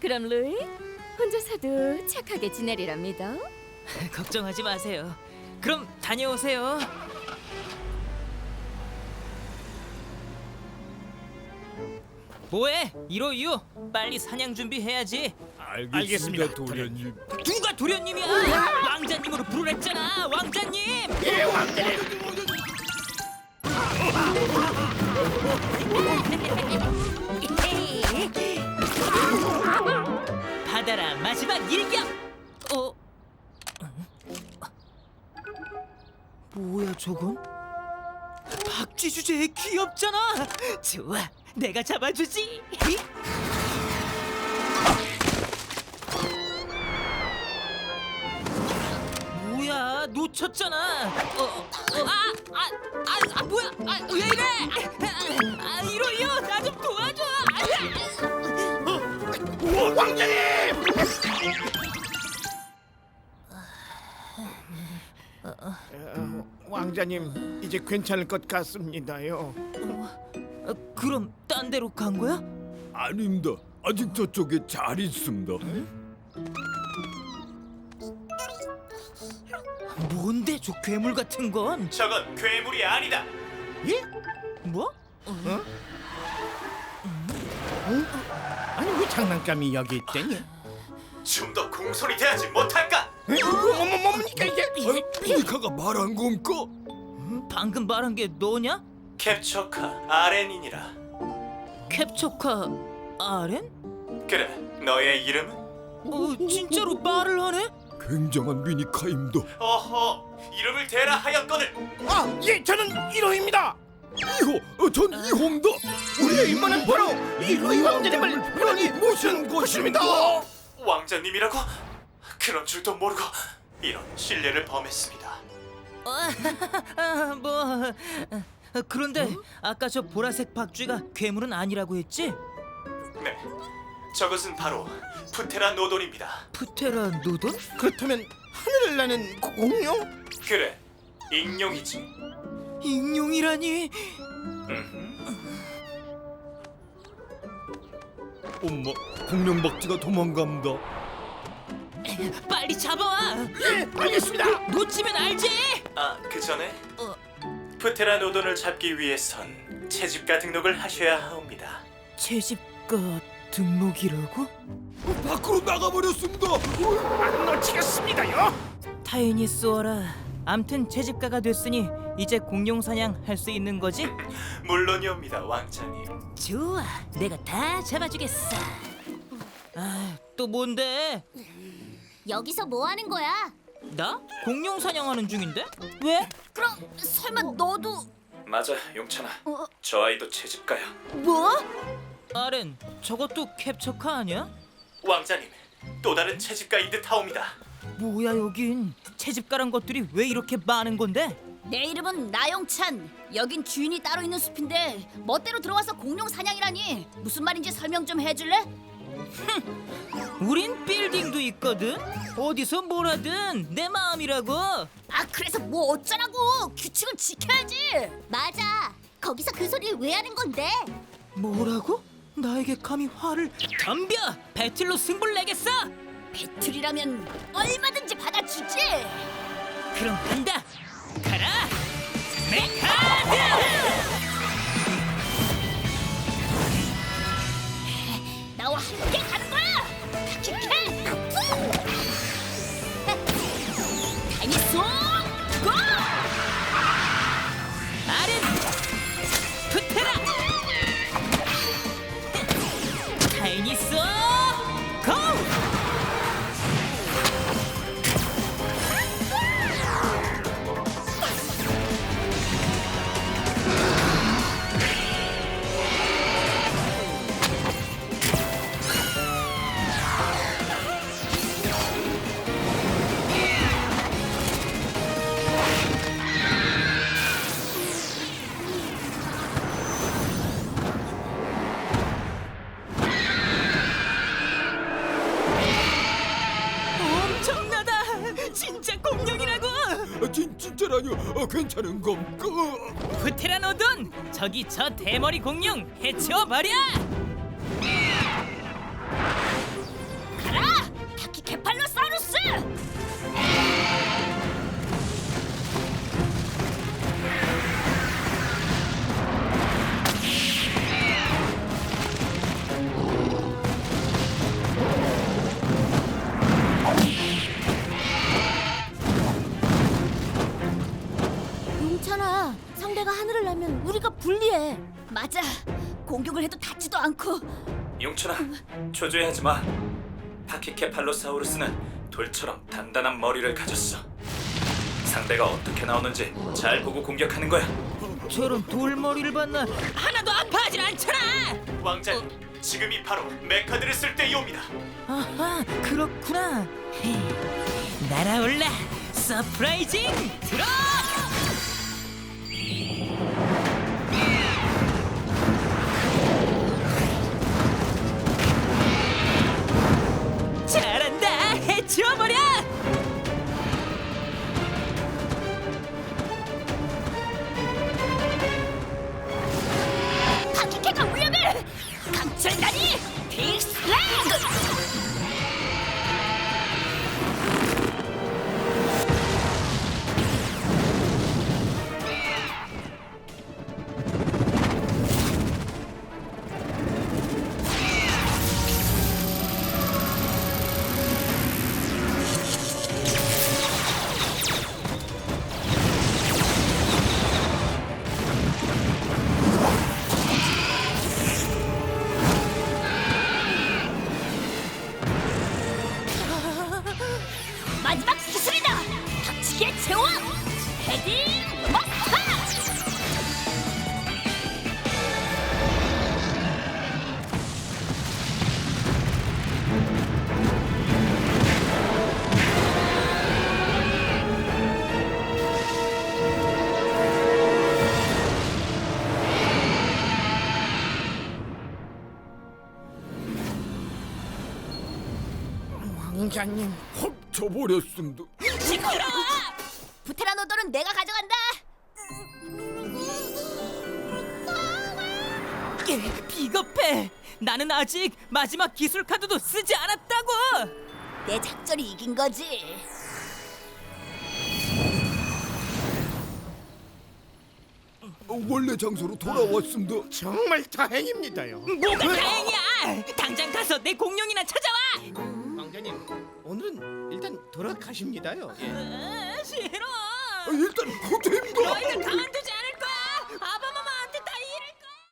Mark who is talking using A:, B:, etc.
A: 그럼 루이, 혼자서도 착하게 지내리라 믿어.
B: 걱정하지 마세요. 그럼 다녀오세요. 뭐해? 이로유, 빨리 사냥 준비해야지.
C: 알겠습니다, 도련님.
B: 누가 도련님이야? 왕자님으로 부르랬잖아, 왕자님.
C: 예, 왕자님.
B: 받아라 마지막 일격. 뭐야 저건? 박쥐 주제에 귀엽잖아. 좋아, 내가 잡아주지. 뭐야, 놓쳤잖아. 뭐야? 왜 이래? 이로요, 나 좀 도와줘.
C: 왕자님! 왕자님, 이제 괜찮을 것 같습니다요.
B: 그럼 딴 데로 간 거야?
D: 아닙니다. 아직 저쪽에 잘 있습니다.
B: 뭔데 저 괴물 같은 건?
E: 저건 괴물이 아니다.
C: 예?
B: 뭐?
C: 아니 왜 장난감이 여기 있대니?
E: 좀 더 공손히 대하지 못할까?
C: 뭡니까 이게?
D: 피니카가 말한 겁니까?
B: 방금 말한 게 너냐?
E: 캡처카 아렌이니라.
B: 캡처카 아렌?
E: 그래, 너의 이름은?
B: 진짜로 말을 하네?
D: 굉장한 미니카입니다.
E: 어허, 이름을 대라 하였거늘.
C: 아, 예, 저는 1호입니다.
D: 이호, 전 이호입니다.
C: 우리의 임무는 바로 이 루이 왕자님을 편히 모시는 것입니다.
E: 왕자님이라고? 그런 줄도 모르고 이런 신뢰를 범했습니다.
B: 그런데 아까 저 보라색 박쥐가 괴물은 아니라고 했지?
E: 네, 저것은 바로 푸테라 노돈입니다.
B: 푸테라 노돈?
C: 그렇다면 하늘을 나는 공룡?
E: 그래, 익룡이지.
B: 익룡이라니?
D: 엄마, 공룡박쥐가 도망갑니다.
B: 빨리 잡아와!
C: 예, 알겠습니다.
B: 놓치면 알지?
E: 그 전에 푸테라 노돈을 잡기 위해선 채집가 등록을 하셔야 하옵니다.
B: 채집가 등록이라고?
D: 밖으로 나가버렸습니다.
C: 안 놓치겠습니다요.
B: 타인이 쏘아라. 암튼 채집가가 됐으니 이제 공룡 사냥 할 수 있는 거지?
E: 물론이옵니다, 왕자님.
B: 좋아, 내가 다 잡아주겠어. 또 뭔데?
F: 여기서 뭐 하는 거야?
B: 나? 공룡 사냥하는 중인데? 왜?
F: 그럼 설마 너도
E: 맞아, 용찬아. 저 아이도 채집가야.
F: 뭐?
B: 아렌, 저것도 캡처카 아니야?
E: 왕자님, 또 다른 채집가인 듯 하옵니다.
B: 뭐야 여긴? 채집가란 것들이 왜 이렇게 많은 건데?
F: 내 이름은 나영찬. 여긴 주인이 따로 있는 숲인데 멋대로 들어와서 공룡 사냥이라니 무슨 말인지 설명 좀 해줄래?
B: 우린 빌딩도 있거든? 어디서 뭘 하든 내 마음이라고.
F: 그래서 뭐 어쩌라고? 규칙을 지켜야지. 맞아. 거기서 그 소리를 왜 하는 건데?
B: 뭐라고? 나에게 감히 화를... 덤벼! 배틀로 승부를 내겠어!
F: 배틀이라면 얼마든지 받아주지.
B: 그럼 간다! 가라! 메카드!
F: 나와 함께 가는 거야. 킥킥! 다이소 고!
B: 아렌! 푸테라! 타이니소 고! 엄청나다! 진짜 공룡이라고!
D: 진짜라뇨? 괜찮은 겁니까?
B: 푸테라노돈! 저기 저 대머리 공룡 해치워버려!
F: 맞아. 공격을 해도 닿지도 않고.
E: 용춘아, 초조해하지 마. 파키케팔로사우루스는 돌처럼 단단한 머리를 가졌어. 상대가 어떻게 나오는지 잘 보고 공격하는 거야.
B: 저런 돌머리를 봤나? 하나도 아파하진 않잖아.
E: 왕자님, 지금이 바로 메카드를 쓸 때이옵니다.
B: 아하, 그렇구나. 날아올라, 서프라이징 드롭! 잘한다, 해치워버려!
F: 파키케가 위험해. 강철다리 빅슬랭. 마지막 기술이다. 박치기의 제왕 헤딩 마스터.
C: 왕자님,
D: 훔쳐버렸습니다.
F: 시끄러워. 부테라노돌은 내가 가져간다.
B: 비겁해. 나는 아직 마지막 기술 카드도 쓰지 않았다고.
F: 내 작전이 이긴 거지.
D: 원래 장소로 돌아왔습니다.
C: 정말 다행입니다요.
B: 뭐가 다행이야. 당장 가서 내 공룡이나 찾아와.
C: 왕자님, 오늘은 일단 돌아가십니다요. 예.
B: 싫어.
D: 일단 호텔입니다.
B: 너희들 가만두자.